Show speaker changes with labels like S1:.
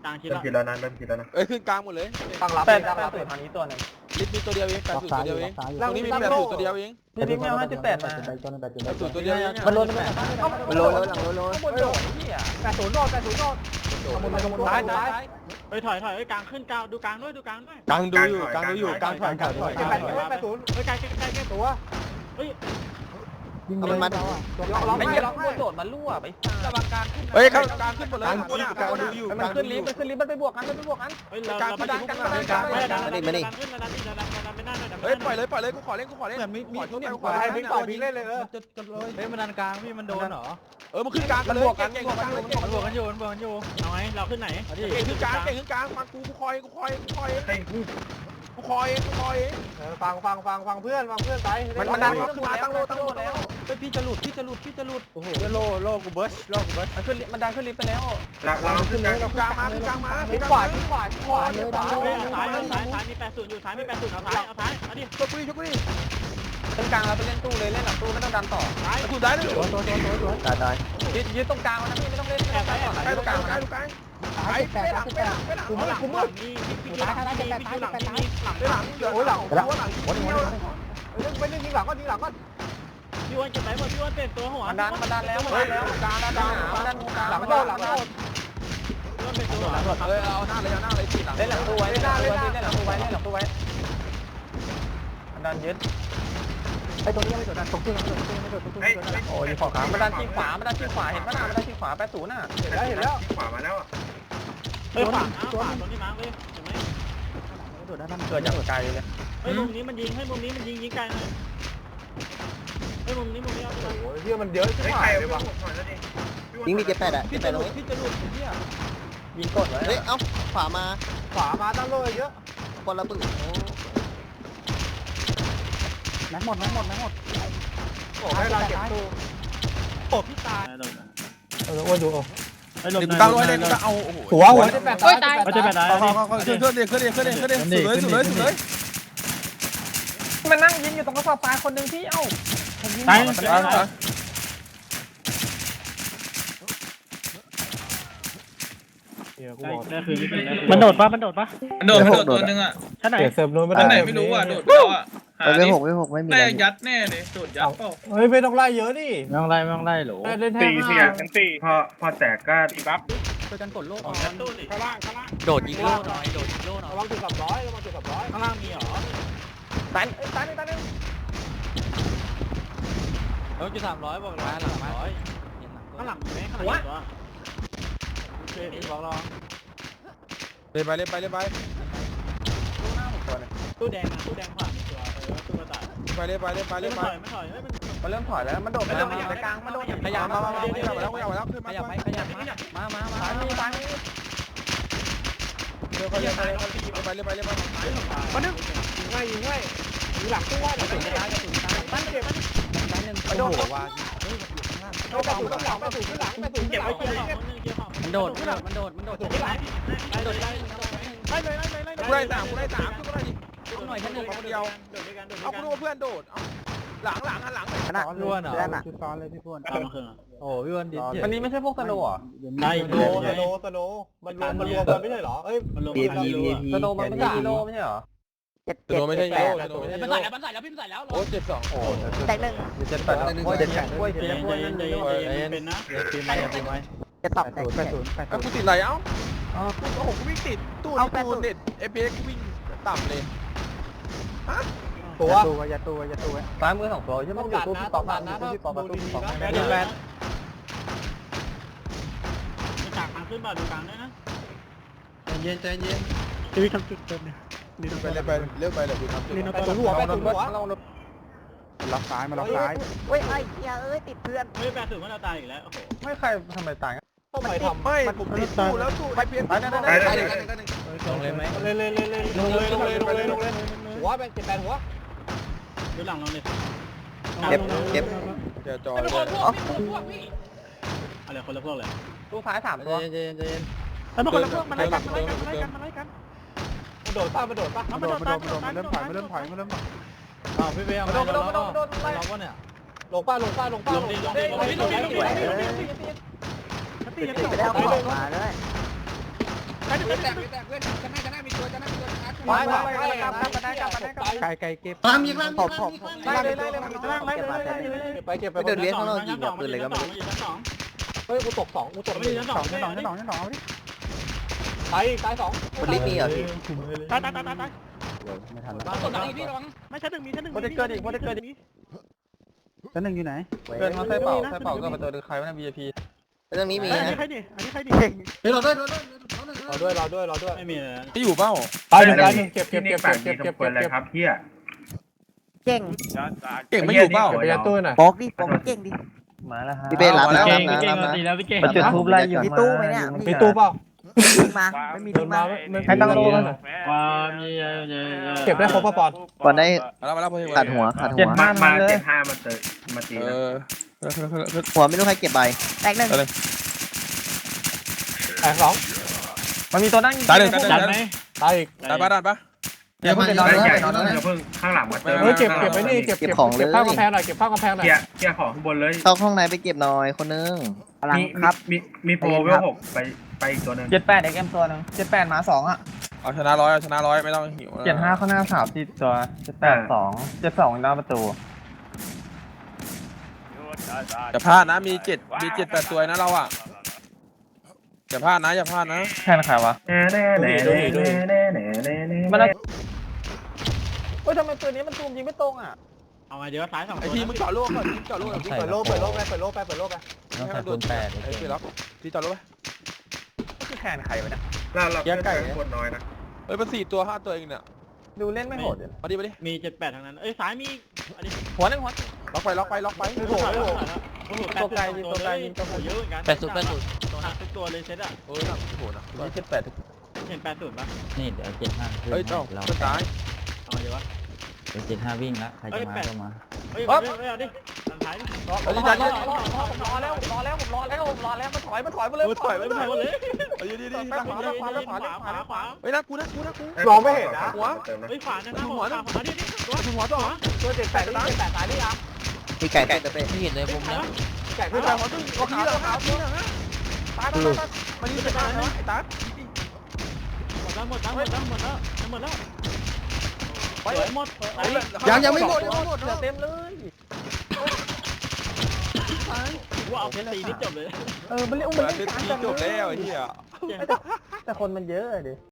S1: กลางคิด
S2: เริ่ม
S1: ละ
S2: คิดแล้วนะเริ่มคิดแล้วนะ
S3: ขึ้นกลางหมดเลย
S4: ตั้งรับ
S5: แปด
S4: ตั้ง
S5: แป
S4: รั
S5: ด
S4: บ
S5: ศูนย์ทางนี้ตัวหนึ่ง
S3: ลิฟต์มีตัวเดียวเอง80ตัวเดียวเองตรงนี้มี80ตัวเดียวเอง
S5: พี่บิ๊กไม่เอา58มา
S3: 80ตัวเดียวเอง
S5: มันโดนมันโดนหลังโดน
S4: ข้างบนโดดพี่อ่ะ80โดด80โดดขโมยซ้าย
S1: เฮ้ยถอยกลางขึ้นกลางดูกลางด้วยดูกลางด้วย
S3: กลางดูอยู่กลางถอย
S4: 80เฮ้ยไกลตัว
S1: เฮ้ย
S4: มันล็อกไม่ล็อกบนโดดมันรั่วไประวังการขึ้น
S3: เฮ้ยกลางขึ้นหมดเลยกลางดูอยู่
S4: มันขึ้นลิฟต์มันไปบวกกัน
S1: เฮ้ยเราไปดันกัน
S3: เฮ้ยปล่อยเลยกูขอเล่น
S4: มีทุกอย่างขวาให้พี่ต่อพี่เล่นเลยจะเลย
S5: เฮ้ยมันดันกลางพี่มันโดนเหรอ
S3: มันขึ้นกลางกันเลยเก่ง
S5: มันบวกกันอยู่
S1: เอาไงเราขึ้นไหน
S3: เก่งขึ้นกลางมากูคอย
S4: ฟังเพื่อนไปมันดันขึ้นมาตั้งโลแล้ว
S5: เฮ้ยพี่จะหลุดโอ้โหโลกูเบิร์ชมันดันขึ้นลิฟต์ไปแล้ว
S2: เราขึ้นนะ
S3: กลางมา
S4: ทิ้งขวาเลย
S1: ซ้ายมี80อยู่ซ้ายมี80เอาท้ายเอาดิ
S3: ชกกูดิ
S4: เป็นกลางเราไปเล่นตู้เลยเล่นหลังตู้ไม่ต้องดันต่อ
S3: ถูกได้เลย
S5: ตาย
S4: ยืดตรงกลางนะพี่ไม่ต้องเล่น
S3: ได้ตรงกลางไปหลัง
S1: กูมืดมีพี่หลังมีหลังหลัง
S4: โอ้ยหลังไม่เล่นยิงหลังก็
S1: พี่วันเก็บไหนหมดพี่วันเปลี่ยนตัวหัว
S4: มันดันแล้ว
S3: กลาง
S4: หลังโดน
S1: พี่วันเปลี่ยนตัวหัว
S3: เอาหน้าเลยทีหลัง
S4: เล่นหลังตู้ไว้เล่นหลังตู้ไว้มันดันยึดไอ้ตรงนี้ไม่โดดดันตกตู้โอ้ยขอขามันดันที่ขวาเห็นป่ะมันดันที่ขวา80น่ะเห็นแล้ว
S2: ขวามาแล้ว
S1: เฮ้ยขวาตรงนี้มาเลยเห็นไหม
S4: เกิดจากไกลเลย
S1: เฮ้ยมุมนี้มันยิงยิงไกลหน่อยเฮ้ยมุมนี้เอาไป
S4: โอ้ยเฮียมันเยอะชิบ
S2: เฮ้ย
S4: หา
S2: ใคร
S4: ย
S2: เอา
S4: เลย
S2: ไป
S4: ว่ะ
S2: หน่อยแล้วดิ
S6: ยิงมี78อ่ะ78ตรงนี้
S4: พี่จะหลุดเฮียยิงกดไว้
S6: เฮ้ยเอ้าขวามา
S4: ตั้งโลเยอะ
S6: คนละปืน
S5: แม็กหมด
S4: โอ้ให้เราเก็บตู้
S1: โอ้พี่ตาย
S5: อ้วนดู
S3: ตั้งไว้เลยเอาโอ้โห
S5: หัว
S4: โอ้ยตาย
S1: เขาจะไปไหน
S3: ขึ้นเลย
S4: มันนั่งยิงอยู่ตรงกระสอบปลายคนหนึ่งที่เอ้า
S1: ตาย ได้คืนมันโดดปะ
S7: มันโดดตัวนึงอ่ะ
S1: ชั้นไหน
S5: เสิร์ฟนู้นไม่
S7: อันไหน
S5: ได้
S7: ไม่รู้อ่ะโดดแล้วอ่ะหา
S6: ไม่
S7: ดิ
S6: หกไม่มี
S7: แม่ยัดแน่เลยโดดยัดเปล่า
S5: เฮ้ยไม่ต้องไล่เยอะดิ
S1: ไม่ต้องไล่หรอ
S5: เล่นแท
S2: พอแตกก็ตีบัฟ
S5: ช่วยกันกดโลก
S1: ตู้ดิข้างล่าง
S5: โดดยิงโลหน่อย
S4: ระวังจุด300ระวังจุด300
S1: ข้างล่างมีเหรอ
S4: ตาย
S5: แล้วจุด300บอกร้อยหลังร้อย
S1: ข้างหลังมีไหมข้างหลังตัวโอเค
S5: บอกรอ
S3: เล่นไป
S1: ตู้แดงขวามีตัวตู้กระต่าย
S3: ไป
S1: ไม่ถอย
S4: มันเริ่มถอยแล้วมันโดดมาในกลางมันโดด
S3: ขยับมาแล้วขึ้นมา
S5: ขยับมา
S4: ตายมีตาย
S3: เร็วไป
S4: มาดึงยิงไว้ยิงหลังตู้ไว้เดี๋ยวไม่ได้ตั้งเก็บมันโดดว่าโดดข้างหลังเก็บไว้เก็บ
S5: มันโดด
S4: ได้เลย
S3: กูได้3กูได้3กูได้ดิ
S5: หน่อยแค่นึง
S3: เดียวเอากูรู้ว่าเพื่อนโดดเอาหลัง
S6: ขนาด
S5: ล้วนเหรอ
S6: ด้านน่ะ
S5: จุดซ้อนเลยพี่พวน
S1: ตามมาคืน
S5: โอ้พี่พวนดิ
S4: อันนี้ไม่ใช่พวกสโลว์อ่ะ
S1: ได้
S4: สโลมันรวมกันไม่ใช่เหรอเอ้ย
S1: มันลง
S6: VIP
S4: สโลมันไม่ใช่ฮีโร่ไม่ใช่เหรอ
S3: ตัวไม่ใช่โย่ตัวไม่ใช่
S7: มันใส่แล้วพี่ใส่แล้ว
S3: โอ้72โอ้
S6: แตกหนึ่ง
S4: เจ็ดแปดโอ้ยเจ็ดแปดโอ้ย
S1: ใจ
S4: เจ็ด
S1: เย็น
S4: โอ้ยนั่น
S1: ใจ
S4: เลย
S1: เย็นเป็นนะ
S5: ทีมไปทีมไป
S6: จะตอบแตกแตก
S3: แล้วกูติดอะไรเอ้ากูโอ้โหกูวิ่งติดตู้นี่กูเน็ต FPS กูวิ่งต่ำเลย
S4: ตัว
S5: อย่าตัว
S4: ซ้ายมือ2ตัวใช่ไหมอยู่ตู้พี่ป๊อปนะตู้พี่ป๊อปตู้พี่ป๊อป
S5: แบน
S1: มีฉากทางขึ้นบ่าดูกลางด้วยนะ
S5: เย็น
S1: ชีวิตทำจุดเติมเนี่ย
S3: ไปเร็วไปเลยดูครับ
S4: ตัวหัวไปตัวหัว
S5: ล็อกซ้ายมาล็อกซ้าย
S6: เฮ้ยไอ้เหี้ยเอ้ยติดเพื่อน
S1: เฮ้ยแปดถึงว่าเราตายอีกแล้วโอ้โห
S4: ไม่ใครทำไมตายต้องไปทำ
S3: ไม่ผมติดตู้แล้วตู้ไอเพียน
S5: ลงเลยไหม
S4: เลยหัวเป็น7-8หัว
S1: ดูหลังเราเลย
S6: เก็บ
S3: เดี๋ยวจอ
S7: เป็นคนพวกพี่
S1: อะไรคนละพวกเลย
S4: ตู้ซ้าย3ตัว
S5: เย็น
S1: ไอ้พวกคนละพวกมันไล่กัน
S4: มันโดดป่ะ
S5: มันเริ่มถอยพี่เบลมาโดนล็อกวะเนี่ย
S4: ลงป้า
S1: ลงดิ
S6: ติดไปแล้วขวามาด้วย
S4: เพื่อนแตกเพื่อนชนะมีตัวชนะ
S3: ไปไก่เก็บ
S5: ตามยิงล่าง
S6: ผมไล่เลยไปเก็บไป
S1: เดินเลี้ยงข้างนอกยิงปืนเลยก็ไม่รู้
S4: เฮ้ยกูตก2กูตก
S1: ไม่ชั้นสอง
S4: ตาย2
S6: มันลิฟต์มีเหรอพี่
S1: ตาย
S6: ไม่ทันแล้ว
S7: กดดังอีกพี่ระวัง
S1: ไม่ชั้นหนึ่งมีชั้นหนึ่ง
S5: โปรเทคเกอร์ดิโปรเทคเกอร์ดิ
S6: ชั้นหนึ่งอยู่ไหน
S5: เกินมาใส่เป่าก็ประตูใครวะนะ VIP
S6: เรื่องนี้มี
S1: อัน
S6: นะ
S1: นี้ใครดิอันนี้ใครดิ
S5: เฮ้ยเราด้วย
S4: รอด้วย
S1: ไม่มีเลย
S3: ที่อยู่เปล่า
S4: ตาย1เก็บ
S2: ที่นี่ปากดีสมควรเลยครับเฮีย
S6: เก่ง
S3: เก่งไม่อยู่เปล่า
S4: ไปยัดตู้หน่อย
S6: บอกดิบอกเก่งดิ
S5: มาแล้วฮะ
S6: พี่เบ้รับนะ
S1: เก่งเก่งตีแล้วพี่เก่ง
S5: จุดทูบไล่อยู่
S6: มีตู้ไหมเนี่ย
S4: มีตู้เปล่า
S6: ทิ้งมาไม่มีทิ้งมา
S4: ให้ตั้งโล่กัน
S1: ความเยอะ
S4: เก็บได้ครบป่ะปอน
S6: ก่อนได้
S3: มาแล้วโปรเทค
S6: ขาดหัว
S2: มา75มาตี
S3: เอ
S2: นะ
S3: อ
S6: หัวไม่รู้ใครเก็บใบแตกหนึ่ง
S4: แตก2
S5: มันมีตัวนั่ง
S3: ตายหนึ่ง
S1: จัดไหม
S4: ตายอีก
S3: ตายปะ
S5: เดี๋ยวเพิ่งไปนอน
S2: ใหญ่
S5: นอน
S2: เพิ่งข้างหลังมาเติม
S4: เก็บไปนี่เก็บข้าวกำแพงหน่อยเก็บข้าวกำแพงหน่อย
S2: เกียร์ของข้างบนเลย
S6: เข้าห้องในไปเก็บหน่อยคนนึงพลังครับ
S2: มีโปรเวล6ไปอีกตัวนึง
S5: 78 XM ตัวนึง78มา2อ่ะ
S3: เอาชนะร้อยไม่ต้องหิว
S5: 75ข้างหน้า3ที่ตัว78 2 72หน้าประตู
S3: อย่าพลาดนะมี7-8ตัวนะเราอ่ะอย่าพลาดนะ
S5: แค่ใครวะ มันเฮ้ยทำไมตัวนี้มันซูมยิงไม่ตรงอ่ะ
S1: เอาไงเดี๋ยวซ้าย2
S3: ไอทีมึงเจาะโล่ก่อนเจาะโล่ก่อน
S4: เปิดโล่ไปเปิดโล่ไป
S5: ต้องใส่ปืน8
S3: ไอ้พี่ล็อกที่เจาะโล่ไป
S5: คือแคนใครวะเนี่ย
S2: เราเกินคนน้อยนะ
S3: เฮ้ยมัน4ตัว5ตัวเองเนี่ย
S5: ดูเล่นไม่โหดเลย
S3: มาดิ
S1: มี78ทั้งนั้นเอ้ยซ้ายมีอันนี้
S5: หัวนึงหัว
S3: ล็อกไป
S1: โอ้โหตัวไกลยิงตัวไกลยิงตัวเยอะเหมือนกัน80ตัวหนักทุกตัวเลยเซตอ่ะ
S3: โอ้ยน่ะโหนะ
S5: นี่78
S1: เห็น80ป่ะ
S8: นี่เดี๋ยว75
S3: เฮ้ยเจ้าจะตาย
S1: เอาเดี๋ยววะ
S8: เดี๋ยว75วิ่งแล้วใครจะมาก็มา
S1: เฮ้ยเอาดิทางท้ายดิ
S5: รอแล้วมันถอยมาเลย
S1: ถอยไปหมดเลย
S3: เฮ้ยดี
S1: ขวา
S3: เฮ้ยนะกู
S4: มองไม่เห็นนะ
S1: เฮ้ยขวานะขวาดิตัว
S3: ถึงหัวต่อ
S4: ตัว78ตายนี่อ่ะ
S6: พี่ไก่เตะไป
S8: ไม่เห็นเลยผมนะ
S4: แตกขึ้นไป
S3: ตัวขาวตายมันยืนตายนะไอ้ตา
S1: หมดแล้วหมดแล้วหมด
S3: ยังไม่หมด
S5: เหลือเต็มเลย
S1: ว่าเอาเพชรตีนิดจบเลย
S5: มันเล่น
S3: มันเป็นทีจบแล้วไอ้เหี้ย
S5: แต่คนมันเยอะดิ